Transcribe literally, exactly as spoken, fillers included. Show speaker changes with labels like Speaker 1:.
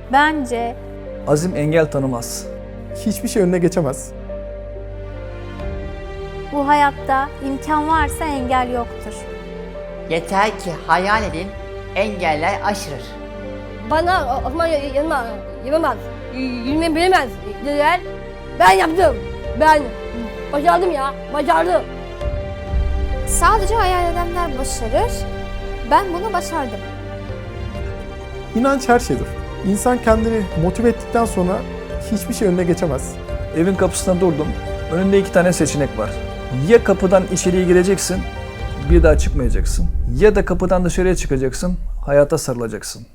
Speaker 1: Bence
Speaker 2: Azim engel tanımaz.
Speaker 3: Hiçbir şey önüne geçemez.
Speaker 1: bu hayatta imkan varsa engel yoktur.
Speaker 4: Yeter ki hayal edin, engeller aşırır.
Speaker 5: Bana Osman yanıma yapamaz, yürümeyi bilemez dediler. Ben yaptım. Ben başardım ya, başardım.
Speaker 6: Sadece hayal edenler başarır. Ben bunu başardım.
Speaker 3: İnanç her şeydir. İnsan kendini motive ettikten sonra hiçbir şey önüne geçemez.
Speaker 2: Evin kapısında durdum. Önünde iki tane seçenek var. Ya kapıdan içeriye gireceksin, bir daha çıkmayacaksın. Ya da kapıdan dışarıya çıkacaksın, hayata sarılacaksın.